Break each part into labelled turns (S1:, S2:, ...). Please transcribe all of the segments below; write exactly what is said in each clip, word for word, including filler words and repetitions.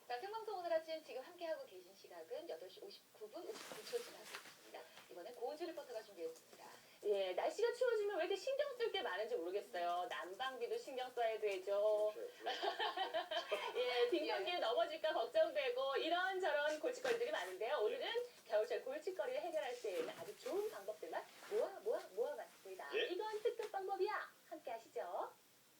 S1: 자, 생방송 오늘 아침 지금 함께하고 계신 시각은 여덟 시 오십구 분 오십구 초 지나고 있습니다. 이번엔 고은주 리포터가 준비했습니다.
S2: 예, 날씨가 추워지면 왜 이렇게 신경 쓸 게 많은지 모르겠어요. 난방비도 신경 써야 되죠. 예, 빙판기에 넘어질까 걱정되고 이런저런 골칫거리들이 많은데요. 오늘은 겨울철 골칫거리를 해결할 수 있는 아주 좋은 방법들만 모아 모아 모아봤습니다.
S3: 예?
S2: 이건 특급 방법이야. 함께 하시죠.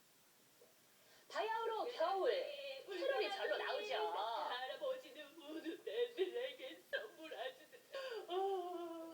S2: 바야흐로 겨울, 캐롤이 절로 나오죠.
S4: 할아버지는 모두 내들에게 선물하시는 어...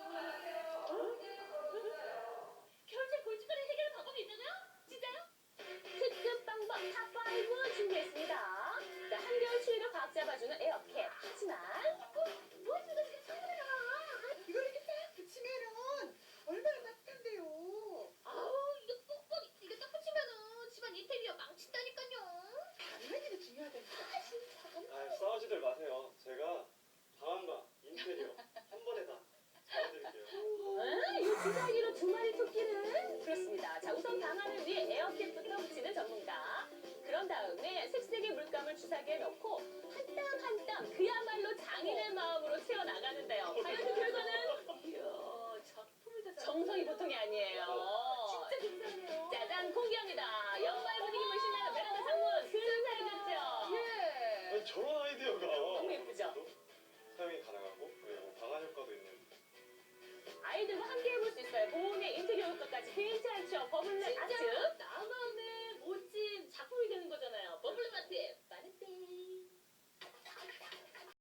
S4: 겨울철 골칫거리 해결 방법이 있다고요? 진짜요?
S2: 특급 방법 탑오 준비했습니다. 자, 한겨울 추위를 꽉 잡아주는 에어캡. 하지만
S4: 뭐 지금 지금 선물해라.
S5: 이걸 이렇게 딱 붙이면은 얼마나 따뜻한데요.
S4: 아우 이거 뽁뽁 이거 딱 붙이면은 집안 인테리어 망친다니까요.
S5: 당연히 중요하다니까.
S3: 아, 싸우지들 마세요. 제가 방안과 인테리어 한 번에 다 잡아드릴게요.
S2: 응? 이 주사기로 두 마리 토끼는? 그렇습니다. 자, 우선 방안을 위해 에어캡부터 붙이는 전문가. 그런 다음에 색색의 물감을 주사기에 넣고 한 땀 한 땀 그야말로 장인의 마음으로 채워나가는데요. 과연 그 결과는
S4: 이야 작품을 다
S2: 정성이 보통이 아니에요.
S4: 진짜 괜찮네요.
S2: 짜잔, 공개합니다. 연말 분위기 물씬 나는 베란다 창문 근사해졌죠?
S1: 예.
S3: 아니, 저런 아이디어가
S2: 너무 예쁘죠?
S3: 사용이 가능하고 그리고 방안 효과도 있는.
S2: 아이들과 함께 해볼 수 있어요. 보온의 인테리어 효과까지 괜찮죠? 버블렛 아트.